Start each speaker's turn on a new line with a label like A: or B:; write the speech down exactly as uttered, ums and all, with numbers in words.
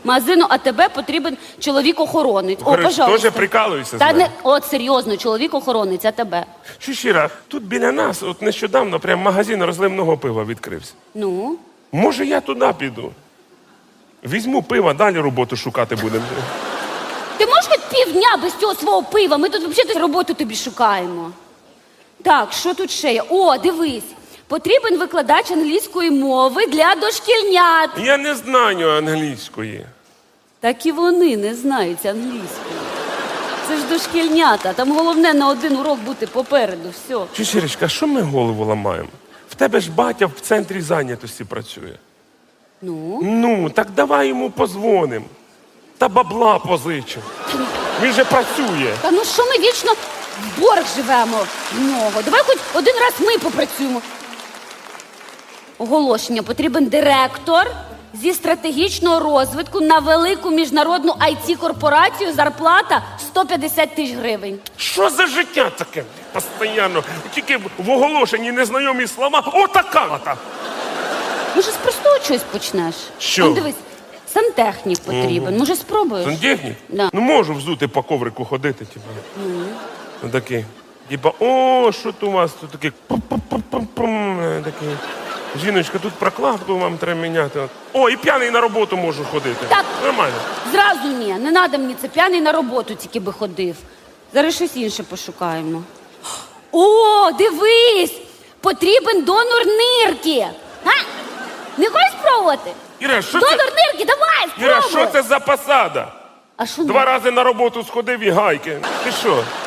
A: магазину АТБ потрібен чоловік-охоронець. О,
B: Говориш,
A: пожалуйста.
B: теж прикалуєшся з
A: Та
B: мене?
A: не, от серйозно, чоловік-охоронець АТБ.
B: Чущіра, тут біля нас, от нещодавно, прям магазин розливного пива відкрився.
A: Ну?
B: Може, я туди піду? Візьму пива, далі роботу шукати будемо.
A: Ти можеш хоч півдня без цього свого пива? Ми тут взагалі роботу тобі шукаємо. Так, що тут ще є? О, дивись. Потрібен викладач англійської мови для дошкільнят.
B: Я не знаю англійської.
A: Так і вони не знають англійської. Це ж дошкільнята. Там головне на один урок бути попереду. Все.
B: Чущірочка, що ми голову ламаємо? В тебе ж батя в центрі зайнятості працює.
A: Ну?
B: Ну, так давай йому позвонимо. Та бабла позичимо. Він же працює.
A: Та ну що ми вічно в борг живемо в нього? Давай хоч один раз ми попрацюємо. Оголошення. Потрібен директор зі стратегічного розвитку на велику міжнародну ай ті-корпорацію. Зарплата сто п'ятдесят тисяч гривень.
B: Що за життя таке? Постоянно. Тільки в оголошенні незнайомі слова. Отака-та.
A: Може, з простого чогось почнеш?
B: Що?
A: Он, дивись, сантехнік потрібен. Може, спробуєш?
B: Сантехнік?
A: Да.
B: Ну можу взути по коврику ходити, типа. Ну. Такий. Типа, о, що тут у вас тут таке? Пум-пум-пум-пум. Такий. Жіночка, тут прокладку вам треба міняти. О, і п'яний на роботу можу ходити.
A: Так.
B: Нормально.
A: Зразу ні, не треба мені це, п'яний на роботу тільки би ходив. Зараз щось інше пошукаємо. О, дивись! Потрібен донор нирки. А? Не хочеш спробувати?
B: Іра, що
A: Донор
B: це?
A: нирки, давай, спробуй!
B: Іра, що це за посада?
A: А що
B: Два
A: не?
B: рази на роботу сходив і гайки. Ти що?